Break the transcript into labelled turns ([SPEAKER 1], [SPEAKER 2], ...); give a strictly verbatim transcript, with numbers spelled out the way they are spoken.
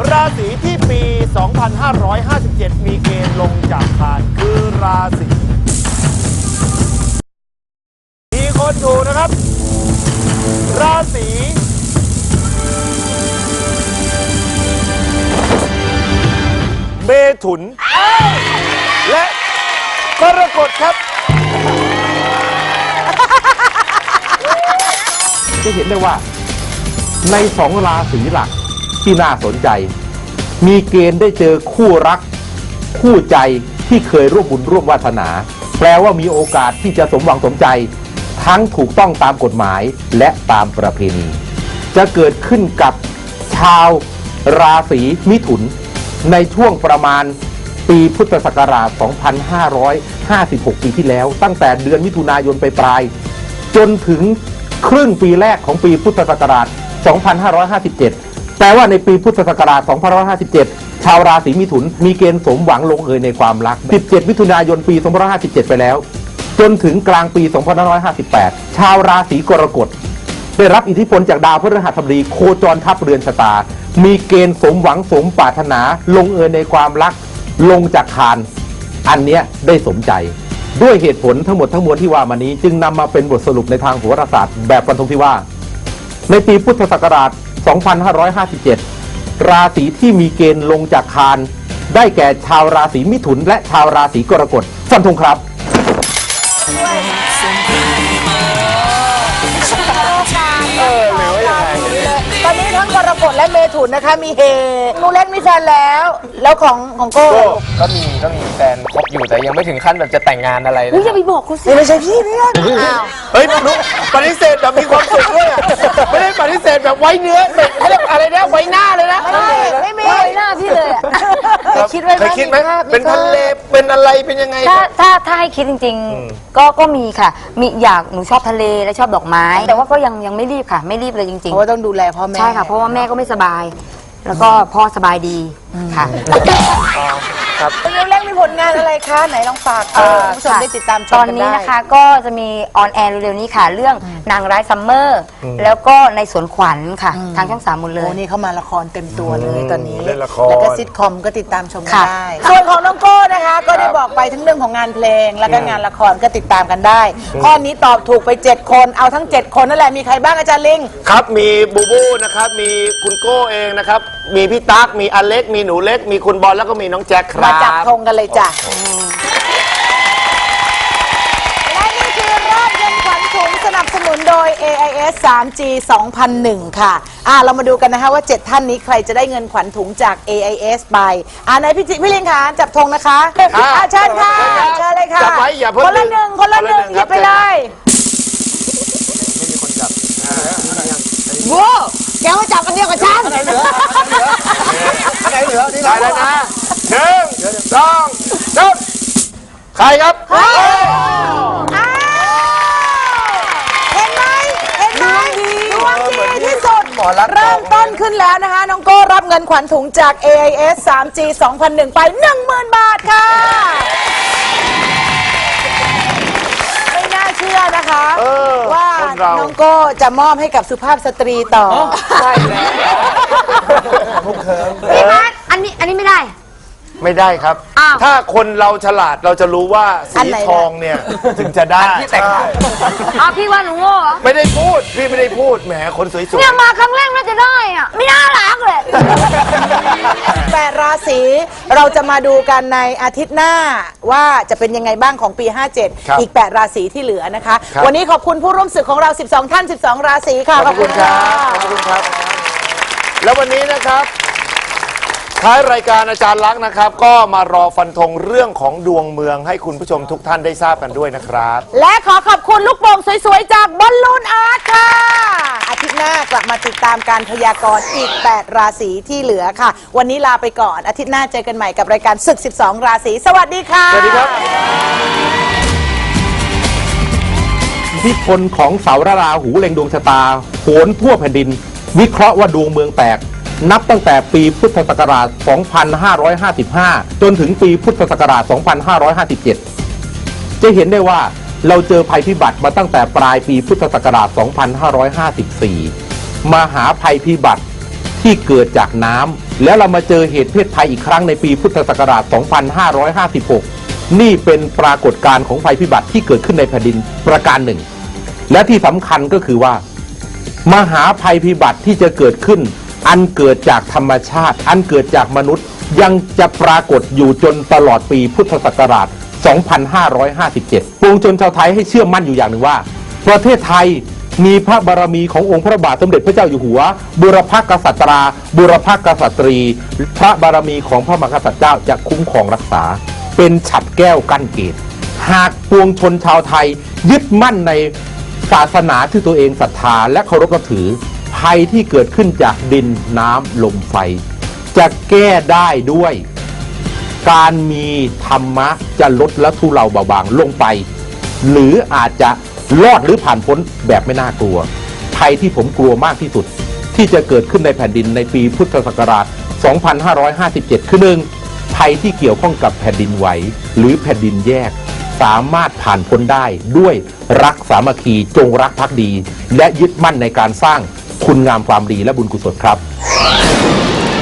[SPEAKER 1] ราศีที่ปี สองพันห้าร้อยห้าสิบเจ็ด มีเกณฑ์ลงจากคานคือราศีมีคนถูกนะครับราศีเมถุนและกรกฎครับ
[SPEAKER 2] จะเห็นได้ว่าในสองราศีหลักที่น่าสนใจมีเกณฑ์ได้เจอคู่รักคู่ใจที่เคยร่วมบุญร่วมวาสนาแปลว่ามีโอกาสที่จะสมหวังสมใจทั้งถูกต้องตามกฎหมายและตามประเพณีจะเกิดขึ้นกับชาวราศีมิถุนในช่วงประมาณปีพุทธศักราช สองพันห้าร้อยห้าสิบหก ปีที่แล้วตั้งแต่เดือนมิถุนายนไปปลายจนถึงครึ่งปีแรกของปีพุทธศักราช สองพันห้าร้อยห้าสิบเจ็ด แต่ว่าในปีพุทธศักราช สองพันห้าร้อยห้าสิบเจ็ด ชาวราศีมิถุนมีเกณฑ์สมหวังลงเอยในความรัก สิบเจ็ด มิถุนายนปี สองพันห้าร้อยห้าสิบเจ็ด ไปแล้วจนถึงกลางปี สองพันห้าร้อยห้าสิบแปด ชาวราศีกรกฎได้รับอิทธิพลจากดาวพฤหัสบดีโคจรทับเรือนชะตามีเกณฑ์สมหวังสมปรารถนาลงเอยในความรักลงจากคานอันเนี้ยได้สมใจด้วยเหตุผลทั้งหมดทั้งมวลที่ว่ามานี้จึงนำมาเป็นบทสรุปในทางโหราศาสตร์แบบฟันธงที่ว่าในปีพุทธศักราช สองพันห้าร้อยห้าสิบเจ็ด ราศีที่มีเกณฑ์ลงจากคานได้แก่ชาวราศีมิถุนและชาวราศีกรกฎฟันธงครับ
[SPEAKER 3] ตอนนี้ทั้งกรกฎและเมถุนนะคะมีเฮนูเล็กมีแฟนแล้วแล้วของของโก้
[SPEAKER 4] ก็มีก็มีแฟนคบอยู่แต่ยังไม่ถึงขั้นแบบจะแต่งงานอะไรนะ
[SPEAKER 3] อย่าไปบอกเขาสิไม่ใช่พี่พี่
[SPEAKER 1] เฮ้ยนุ๊กปฏิเสธแบบมีความสุขด้วยไม่ได้ปฏิเสธแบบไว้เนื้อแบบอะไรนะไว้หน้าเลยนะ
[SPEAKER 3] ไม่ไม่มีไว้หน้าพี่เลยเคยคิดไหม
[SPEAKER 1] เคยคิดไหมเป็นทะเลเป็นอะไรเป็นยังไง
[SPEAKER 5] ถ้าถ้าถ้าให้คิดจริงๆก็ก็มีค่ะมีอยากหนูชอบทะเลและชอบดอกไม้แต่ว่าก็ยังยังไม่รีบค่ะไม่รีบเลยจริงๆ
[SPEAKER 3] เพราะว่าต้องดูแลพ่อแม่
[SPEAKER 5] ใช่ค่ะเพราะว่าแม่ก็ไม่สบายแล้วก็พ่อสบายดีค่ะ
[SPEAKER 3] ครับนูเล็กมีผลงานอะไรคะไหนลองฝากคุณผู้ชมได้ติดตามชมกันได้
[SPEAKER 5] ตอนนี้นะคะก็จะมีออนแอร์เร็วๆนี้ค่ะเรื่องนางร้ายซัมเมอร์แล้วก็ในสวนขวัญค่ะทางช่องสามหมดเลย
[SPEAKER 3] โอ้นี่เข้ามาละครเต็มตัวเลยตอนนี้แล้วก็ซิทคอมก็ติดตามชมกันได้ส่วนของน้องโก้นะคะก็ได้บอกไปทั้งเรื่องของงานเพลงแล้วก็งานละครก็ติดตามกันได้ข้อนี้ตอบถูกไปเจ็ดคนเอาทั้งเจ็ดคนนั่นแหละมีใครบ้างอาจารย์ลิง
[SPEAKER 1] ครับมีบูบูนะครับมีคุณโก้เองนะครับมีพี่ตั๊กมีอเล็กมีหนูเล็กมีคุณบอลแล้วก็มีน้องแจ็คครับ
[SPEAKER 3] มาจับธงกันเลยจ้ะและนี่คือรอบเงินขวัญถุงสนับสนุนโดย เอ ไอ เอส ทรี จี สองพันหนึ่ง ค่ะอ่าเรามาดูกันนะคะว่าเจ็ดท่านนี้ใครจะได้เงินขวัญถุงจาก เอ ไอ เอส ไปอ่าไหนพี่จิพี่ลิงค่ะจับธงนะคะอ่าเชิญค่ะเชิญเลยค่ะ
[SPEAKER 1] จับไว้อย่าเพิ่ง
[SPEAKER 3] คนละหนึ่งคนละหนึ่งหยิบไปเลย
[SPEAKER 1] ไม่มีคนจับ
[SPEAKER 3] โว้แกว่าจับอันเดียวกับฉัน
[SPEAKER 1] ไหนเหลือไหนเหลือนี่ได้แล้วนะหนึ่งสองสามใครครับ
[SPEAKER 3] เห็นไหมเห็นไหมดวงดีที่สุดเริ่มต้นขึ้นแล้วนะคะน้องโก้รับเงินขวัญถุงจาก เอ ไอ เอส ทรี จี สองพันหนึ่ง ไป หนึ่งหมื่น บาทค่ะไม่น่าเชื่อนะคะว่าน้องโก้จะมอบให้กับสุภาพสตรีต่อ
[SPEAKER 1] ใช่แล้ว
[SPEAKER 5] พี่พัดอันนี้อันนี้ไม่ได้
[SPEAKER 1] ไม่ได้ครับถ้าคนเราฉลาดเราจะรู้ว่าสีทองเนี่ยถึงจะได้
[SPEAKER 4] ที่แต่ง
[SPEAKER 5] อ้าวพี่ว่าหนูโง่เหรอ
[SPEAKER 1] ไม่ได้พูดพี่ไม่ได้พูดแหมคนสวยๆ
[SPEAKER 5] เนี่ยมาครั้งแรกน่าจะได้อ่ะไม่น่ารักเลย
[SPEAKER 3] แปดราศีเราจะมาดูกันในอาทิตย์หน้าว่าจะเป็นยังไงบ้างของปีห้าเจ็ดอีกแปดราศีที่เหลือนะคะวันนี้ขอบคุณผู้ร่วมศึกของเราสิบสองท่านสิบสองราศีค่ะ
[SPEAKER 1] ขอบคุณครับขอบคุณครับแล้ววันนี้นะครับท้ายรายการอาจารย์ลักษณ์นะครับก็มารอฟันธงเรื่องของดวงเมืองให้คุณผู้ชมทุกท่านได้ทราบกันด้วยนะครับ
[SPEAKER 3] และขอขอบคุณลูกโป่งสวยๆจากบอลลูนอาร์ตค่ะอาทิตย์หน้ากลับมาติดตามการพยากรณ์อีกแปดราศีที่เหลือค่ะวันนี้ลาไปก่อนอาทิตย์หน้าเจอกันใหม่กับรายการศึกสิบสองราศีสวัสดีค่ะ
[SPEAKER 1] สวัสดีครับ
[SPEAKER 2] อิทธิพลของเสาราหูเล็งดวงชะตาโหนทั่วแผ่นดินวิเคราะห์ว่าดวงเมืองแตกนับตั้งแต่ปีพุทธศักราช สองพันห้าร้อยห้าสิบห้า จนถึงปีพุทธศักราช สองพันห้าร้อยห้าสิบเจ็ด จะเห็นได้ว่าเราเจอภัยพิบัติมาตั้งแต่ปลายปีพุทธศักราช สองพันห้าร้อยห้าสิบสี่ มหาภัยพิบัติที่เกิดจากน้ำแล้วเรามาเจอเหตุเพศภัยอีกครั้งในปีพุทธศักราช สองพันห้าร้อยห้าสิบหก นี่เป็นปรากฏการณ์ของภัยพิบัติที่เกิดขึ้นในแผ่นดินประการหนึ่ง และที่สำคัญก็คือว่ามหาภัยพิบัติที่จะเกิดขึ้นอันเกิดจากธรรมชาติอันเกิดจากมนุษย์ยังจะปรากฏอยู่จนตลอดปีพุทธศักราช สองพันห้าร้อยห้าสิบเจ็ด ปวงชนชาวไทยให้เชื่อมั่นอยู่อย่างหนึ่งว่าประเทศไทยมีพระบารมีขององค์พระบาทสมเด็จพระเจ้าอยู่หัวบุรพกษัตราบุรพกษัตรี พระบารมีของพระมหากษัตริย์เจ้าจะคุ้มครองรักษาเป็นฉัตรแก้วกั้นเกตหากปวงชนชาวไทยยึดมั่นในศาสนาที่ตัวเองศรัทธาและเคารพนับถือภัยที่เกิดขึ้นจากดินน้ำลมไฟจะแก้ได้ด้วยการมีธรรมะจะลดและทุเลาเบาบางลงไปหรืออาจจะรอดหรือผ่านพ้นแบบไม่น่ากลัวภัยที่ผมกลัวมากที่สุดที่จะเกิดขึ้นในแผ่นดินในปีพุทธศักราช สองพันห้าร้อยห้าสิบเจ็ด คือหนึ่งภัยที่เกี่ยวข้องกับแผ่นดินไหวหรือแผ่นดินแยกสามารถผ่านพ้นได้ด้วยรักสามัคคีจงรักภักดีและยึดมั่นในการสร้างคุณงามความดีและบุญกุศลครับ